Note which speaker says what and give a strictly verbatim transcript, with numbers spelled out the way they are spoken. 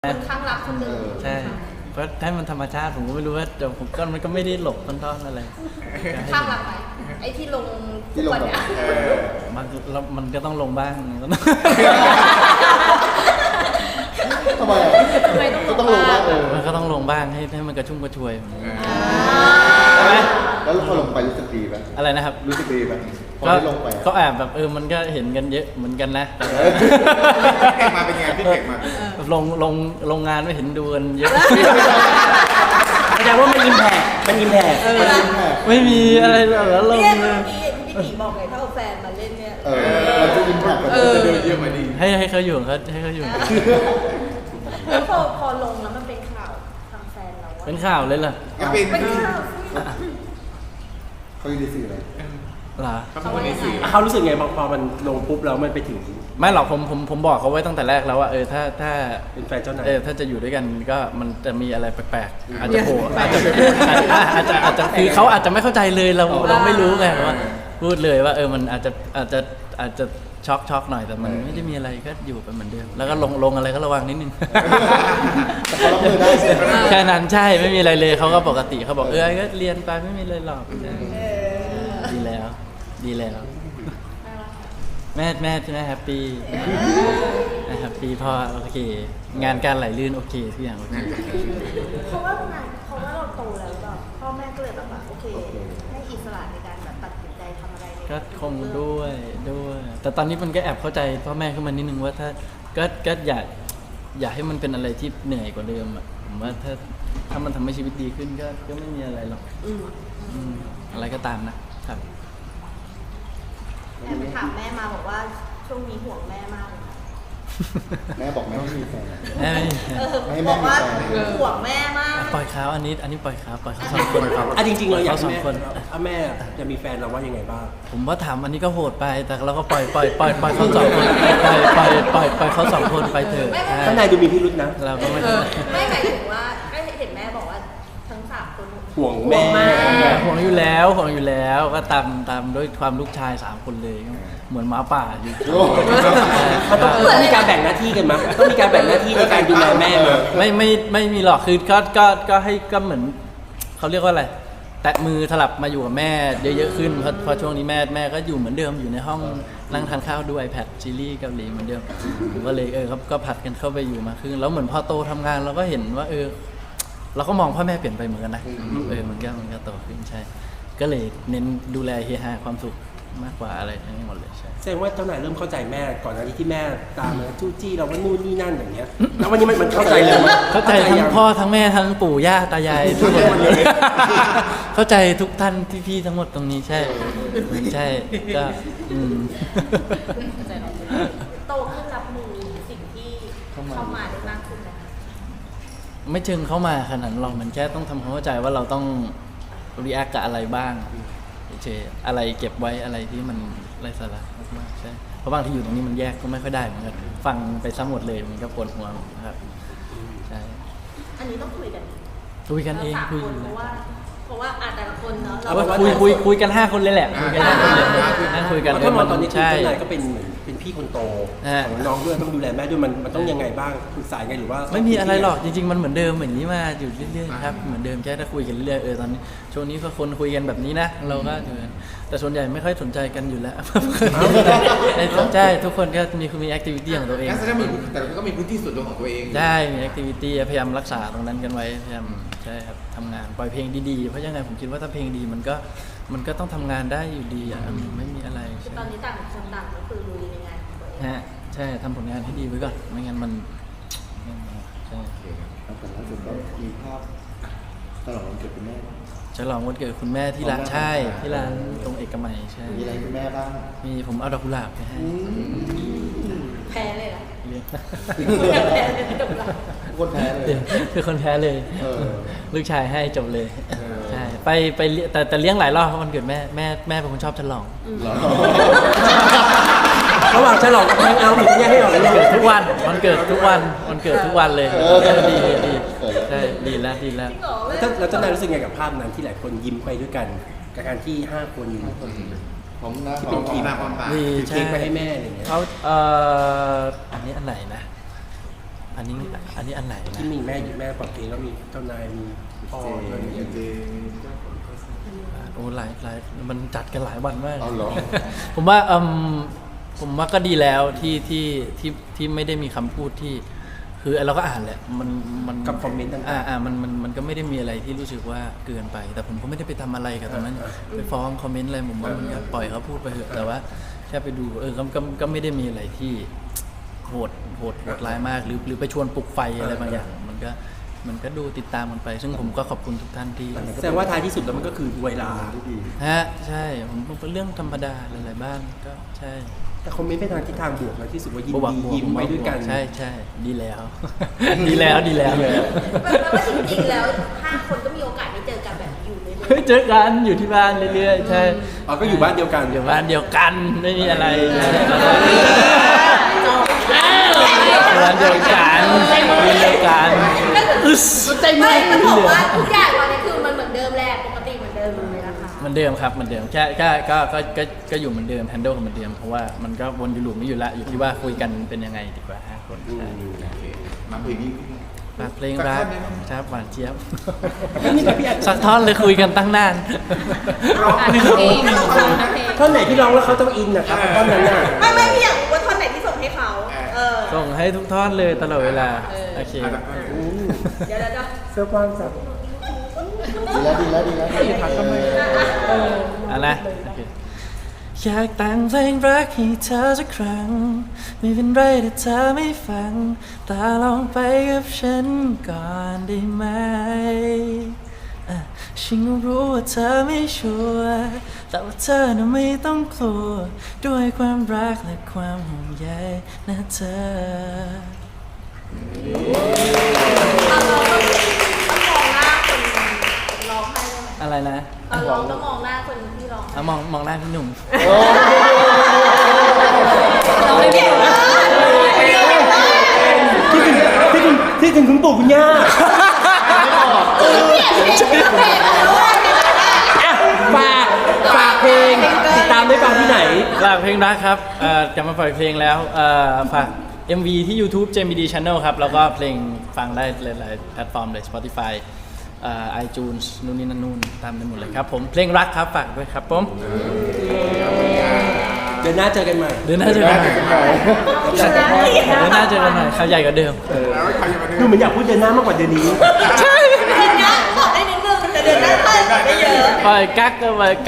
Speaker 1: คนข้างรักคนหนึ่ง
Speaker 2: ใช่เพราะถ้ามันธรรมชาติผมก็ไม่รู้ว่าแต่ผมก็มันก็ไม่ได้หลบต้นๆอะไร
Speaker 1: ข้างรักไหมไอ้ที่ลงทุกวันเนี้ย
Speaker 2: มันมันก็ต้องลงบ้าง
Speaker 3: ทำไมก็ต้องลงบ้างเออ
Speaker 2: มันก็ต้องลงบ้างให้ให้มันกระชุ่มกระชวย
Speaker 3: ใช่ไหมแล้วพอลงไปรู้สึกดีไหม
Speaker 2: อะไรนะครับ
Speaker 3: รู้สึกดีไหม
Speaker 2: ก็ก็แอบแบบเออมันก็เห็นกันเยอะเหมือนกันนะ
Speaker 3: พี่เด็กมาเป็นไงพี่เด็กมา
Speaker 2: ลงลงลงงานไม่เห็นดูกันเยอะ
Speaker 4: แสดงว่ามันอิมแพกมันอิมแพก
Speaker 2: ไม่มีอะไรแล้วลงเลย
Speaker 1: พี่พี่บอกไงถ้าเอาแฟนมาเล่นเนี่ย
Speaker 3: เออมันจะอิมแพกมันจะเดินเยอะมาดี
Speaker 2: ให้ให้เขาอยู่เขาให้เขาอยู่
Speaker 1: แล้วพอพอลงแล้วมันเป็นข่าวทางแฟนเรา
Speaker 2: เป็นข่าวเลยเหรอ
Speaker 1: เป็นข่าว
Speaker 3: เขาอยู่ในสื่ออะไร
Speaker 2: เหรอ
Speaker 4: เขารู้สึกไงพอมันลงปุ๊บแล้วมันไปถึง
Speaker 2: ไม่หรอกผมผมผมบอกเขาไว้ตั้งแต่แรกแล้วว่าเออถ้าถ้า
Speaker 4: เป็นแฟนเจ้านาย
Speaker 2: เออถ้าจะอยู่ด้วยกันก็มันจะมีอะไรแปลกๆอาจจะโผล่อาจจะอาจจะอาจจะคือเขาอาจจะไม่เข้าใจเลยเราเราไม่รู้ไงว่าพูดเลยว่าเออมันอาจจะอาจจะอาจจะช็อกช็อกหน่อยแต่มันไม่ได้มีอะไรก็อยู่ไปเหมือนเดิมแล้วก็ลงลงอะไรก็ระวังนิดนึงแค่นั้นใช่ไม่มีอะไรเลยเขาก็ปกติเขาบอกเออก็เรียนไปไม่มีเลยหรอกดีแล้วดีแล้วแม่แม่แม่แฮปปี้แฮปปี้พอโอเคงานการไหลลื่นโอเคทุกอย่างโอเค
Speaker 1: เพราะว่างานเพราะว่าเราโตแล้วแบบพ่อแม่ก็เลยแบบว่าโอเคให้อิสระในการแบบตัดสินใจทำอะไร
Speaker 2: ก็คงด้วยด้วยแต่ตอนนี้มันก็แอบเข้าใจพ่อแม่ขึ้นมานิดนึงว่าถ้าก็ก็อย่าอย่าให้มันเป็นอะไรที่เหนื่อยกว่าเดิมอ่ะผมว่าถ้าถ้ามันทำให้ชีวิตดีขึ้นก็ก็ไม่มีอะไรหรอกอะไรก็ตามนะครับ
Speaker 1: แม่ไปถามแม่มาบอกว่าช่วงนี้ห่วงแม่มาก
Speaker 3: แม่บอกแม่ไม่มีแฟน
Speaker 2: แม่ไม่
Speaker 1: บอกว่าห่วงแม่มาก
Speaker 2: ปล่อยเขาอันนี้อันนี้ปล่อยเขาปล่อยเขาสองคนครับ
Speaker 4: อ่ะจริงๆเราอยากให้แม่ถ้าแม่จะมีแฟนเราว่ายังไงบ้าง
Speaker 2: ผมว่าถามอันนี้ก็โหดไปแต่เราก็ปล่อยปล่อยปล่อยปล่อยเขาสองคนปล่อยปล่อยปล่อยปล่อยเขาสองคนไปเถอะ
Speaker 4: ข้างในดูมีพิรุธนะ
Speaker 2: เราก็ไม่
Speaker 1: ไม่หมายถึงว่าก็เห็นแม่บอกว่าทั้งสามคน
Speaker 4: ห่วงแม่
Speaker 2: ห่วงอยู่แล้วห่วงอยู่แล้วก็ตามตามด้วยความลูกชายสามคนเลยเหมือนหมาป่าอยู่
Speaker 4: มันต้องมีการแบ่งหน้าที่กันมั้ยต้องมีการแบ่งหน้าที่ในการดูแลแม่มั้ย
Speaker 2: ไม่ไม่ไม่มีหรอกคือก็ก็ก็ให้ก็เหมือนเขาเรียกว่าอะไรแตะมือสลับมาอยู่กับแม่เยอะๆขึ้นเพราะพอช่วงนี้แม่แม่ก็อยู่เหมือนเดิมอยู่ในห้องนั่งทานข้าวดู iPad ซีรีส์เกาหลีเหมือนเดิมผมก็เลยเออครับก็ผัดกันเข้าไปอยู่มาขึ้นแล้วเหมือนพอโตทำงานเราก็เห็นว่าเออเราก็มองพ่อแม่เปลี่ยนไปเหมือนกันนะเออมันก็มันก็โตขึ้นใช่ก็เลยเน้นดูแลเฮฮาความสุขมากกว่าอะไรทั้งหมดเลยใช่
Speaker 4: แสดงว่าเจ้านายเริ่มเข้าใจแม่ก่อนหน้านี้ที่แม่ตามมาจู้จี้เราว่านู่นนี่นั่นอย่างเงี้ยแล้ววันนี้มันเข้าใจเลย
Speaker 2: เข้าใจทั้งพ่อทั้งแม่ทั้งปู่ย่าตายายทุกคนเลยเข้าใจทุกท่านพี่ๆทั้งหมดตรงนี้ใช่ใช่ก็อืม
Speaker 1: โตขึ้นรับมือสิ่งที่เข้ามาได้มากขึ้นนะ
Speaker 2: ไม่เชิงเข้ามาขนาดนั้นหรอกมันแค่ต้องทำความเข้าใจว่าเราต้องรีแอคกับอะไรบ้างเฉยอะไรเก็บไว้อะไรที่มันไร้สาระมากๆใช่เพราะบางที่อยู่ตรงนี้มันแยกก็ไม่ค่อยได้เหมือนกันฟังไปซ้ำหมดเลยมันก็ปวดหัวนะครับใช่
Speaker 1: อันนี้ต้องคุยกัน
Speaker 2: คุยกันเองคุย
Speaker 1: เพราะว่าเพราะว่าอาแต่ละคนเนาะ
Speaker 2: เราคุยคุยคุยกันห้าคนเลยแหละคุยกันห้าคนเลยนั่งคุยกัน
Speaker 4: เพราะตอนนี้ใช่ก็เป็นเป็นพี่คนโตของน้องด้วยต้องดูแลแม่ด้วยมันมันต้องยังไงบ้างปรึกษาไงหรือว่า
Speaker 2: ไม่มีอะไรหรอกจริงๆมันเหมือนเดิมเหมือนนี้มาอยู่เรื่อยๆครับเหมือนเดิมแค่ถ้าคุยกันเรื่อยๆเออตอนนี้ช่วงนี้ก็คนคุยกันแบบนี้นะเราก็แต่ส่วนใหญ่ไม่ค่อยสนใจกันอยู่แล้วสนใจทุกคนก็มีมีแอคทิวิตี้ของตัวเอง
Speaker 3: แต่ก็มีพื้นที่ส่วนตัวของตัวเอง
Speaker 2: ได้มีแอคทิวิตี้พยายามรักษาตรงนั้นกันไว้พยายามใช่ครับทำงานปล่อยเพลงดีๆเพราะยังไงผมคิดว่าถ้าเพลงดีมันก็มันก็ต้องทำงานได้อยู่ดีอ่ะไม่มีอะไร
Speaker 1: ตอนนี้ต่างคนต่างก็คือลุยในงานของตัวเอง
Speaker 2: ฮะใช่ทำผลงานให้ดีไว้ก่อนไม่งั้นมันใช่
Speaker 3: แต่ล่าสุดก็มีภาพฉลองวันเกิดคุณแม่
Speaker 2: ฉลองวันเกิดคุณแม่ที่ร้านใช่ที่ร้านตรงเอกมัยใช่
Speaker 3: มีอะไรคุณแม่บ้าง
Speaker 2: มีผมเอาดอกกุหลาบไปให้
Speaker 1: แพ้เลยนะ
Speaker 3: คนแพ้เลย
Speaker 2: คือคนแพ้เลยลูกชายให้จบเลยใช่ไปไปแต่แต่เลี้ยงหลายรอบเพราะมันเกิดแม่แม่แม่เป็นคนชอบฉลอง
Speaker 4: ระหว่างฉลองกับแฮงเอาท์หรือแยกให้ออกเลย
Speaker 2: เกิดทุกวันมันเกิดทุกวันมันเกิดทุกวันเลยดีดีใช่ดีแล้วดีแล้ว
Speaker 4: แล้วเจ้านายรู้สึกไงกับภาพนั้นที่หลายคนยิ้มไปด้วยกันกับการที่ห้าคน
Speaker 3: ผมนะ
Speaker 4: ที่เป็นทีม
Speaker 2: ดี
Speaker 4: เค้กไปให้แม่อะไรเงี้ย
Speaker 2: เขาเอ่ออันนี้อันไหนนะอันนี้อันนี้อันไหนนะ
Speaker 4: ที่มีแม่อยู่แม่ปลดเพลงแล้วมีเจ้านายมีพ่อ
Speaker 3: เจ
Speaker 4: ด้วยมี
Speaker 3: เจ
Speaker 2: โอ้หลายหลายมันจัดกันหลายวันมาก
Speaker 3: เอาเหรอ
Speaker 2: ผมว่าอืมผมว่าก็ดีแล้วที่ที่ที่ที่ไม่ได้มีคำพูดที่ คือเราก็อ่านแหละมันมัน
Speaker 4: กับคอมเมนต์ต่างๆ
Speaker 2: อ่าอ่ามันมันมันก็ไม่ได้มีอะไรที่รู้สึกว่าเกินไป แต่ผมก็ไม่ได้ไปทำอะไรกับตรงนั้น
Speaker 4: อ่า
Speaker 2: ไปฟ้องคอมเมนต์อะไรผมว่ามันก็ปล่อยเขาพูดไปเถอะแต่ว่าแค่ไปดูเออก็ก็ก็ไม่ได้มีอะไรที่โหดโหดโหดร้ายมากหรือหรือไปชวนปลุกไฟอะไรบางอย่าง มันก็มันก็ดูติดตามมันไป ซึ่งผมก็ขอบคุณทุกท่านที่
Speaker 4: แสดงว่าท้ายที่สุดแล้วมันก็คือเวลา
Speaker 3: ที่ดี
Speaker 2: ฮะใช่ผมเป็นเรื่องธรรมดาหลายๆบ้านก็ใช่
Speaker 4: แต่คอมเมนต์ไปทางทิศทางบวกนะที่รู้สึกว่ายิน
Speaker 2: บวก
Speaker 4: ดี
Speaker 2: บวก
Speaker 4: ยิ้มไปด้วยกัน
Speaker 2: ใช่ใช่ดีแล้ว ดีแล้วดีแล้ว
Speaker 1: แปลว่าจริงๆแล้วห้าคนก็มีโอกาสได้เจอกันแบบนี้อยู่เรื่อย
Speaker 2: เฮ้ยเจอกันอยู่ที่บ้านเรื่อยๆใช่
Speaker 4: อ๋อก็อยู่บ้านเดียวกัน
Speaker 2: อยู่บ้านเดียวกันไม่มีอะไรบ้านเดียวกันมีเดียวกันอึส
Speaker 1: ๆไม่มันบอกว่าทุกอย่างตอนนี้คือมันเหมือนเดิมแหละปกติเหมือนเดิมเลยนะคะ
Speaker 2: เหมือนเดิมครับเหมือนเดิมแค่แค่ก็ก็ก็ก็อยู่เหมือนเดิมแฮนเดิลเหมือนเดิมเพราะว่ามันก็วนอยู่หลุมไม่อยู่ละอยู่ที่ว่าคุยกันเป็นยังไงดีกว่าห้าคนใช่
Speaker 3: มาเพลงนี้
Speaker 2: ฝากเพลงรักครับหวานเจี๊ยบ
Speaker 4: นี่กับพี่แอน
Speaker 2: สักท่อนเลยคุยกันตั้งนาน
Speaker 4: ท่อนไหนที่ร้องแล้วเขาต้องอินนะครับท่อนนั้นน่ะ
Speaker 1: ไม่ไม่พี่อยากรู้ว่าท่อนไหนที่ส่งให้เขาเออ
Speaker 2: ส่งให้ทุกท่อนเลยตลอดเวลาโอเค
Speaker 1: เดี๋ยวเดี๋ยวเดี๋ยว
Speaker 4: เสื้อกว้างจัง
Speaker 3: ดีแล้วดีแล้วดีแล้วดีแล้ว
Speaker 2: เอ่ะนะโอเคอยากแต่งเพลงรักให้เธอสักครั้งไม่เป็นไรถ้าเธอไม่ฟังแต่ลองไปกับฉันก่อนได้ไหมอ่ะฉันก็รู้ว่าเธอไม่ชัวร์แต่ว่าเธอน่ะไม่ต้องกลัวด้วยความรักและความห่วงใยนะเธอ
Speaker 1: ตอนร้องต้องต้องมองหน้าคนร้องให้ได้ไหม
Speaker 2: อะไรนะ
Speaker 1: ตอนร้องต้องมองหน้าคนที่ร้อง
Speaker 2: เอามองมองหน้าพี่หนุ่ม
Speaker 1: เราไม่เก่งมาก
Speaker 4: ที่ถึงที่ถึงที่ถึงคุณปู่คุณย่า
Speaker 1: เออเปลี่ยนเพลงเปลี่ยนเพลงแล้วว่าเพลงอะไร
Speaker 4: อ่ะฝากฝากเพลงติดตามได้ฟังที่ไหน
Speaker 2: ฝากเพลงรักครับเอ่อจะมาปล่อยเพลงแล้วเอ่อฝาก เอ็ม วี ที่ YouTube เจ บี ดี Channel ครับ แล้วก็เพลงฟังได้หลายๆแพลตฟอร์มเลย Spotify เอ่อ iTunes นู่นนี่นั่นนู่นตามได้หมดเลยครับผม เพลงรักครับ ฝากด้วยครับผม
Speaker 4: เดือนหน้าเจอกันใหม่
Speaker 2: เดือนหน้าเจอกันใหม่เดือนหน้าเจอกันใหม่ข่าวใหญ่กว่าเดิม
Speaker 4: ดูเหมือนอยากพูดเดือนหน้ามากกว่าเดือนนี้
Speaker 1: เดือนนี้บอกได้นิดนึงแต่เดือนหน้าเพิ่มได้เยอะ
Speaker 2: ปล่อยกักก็ไป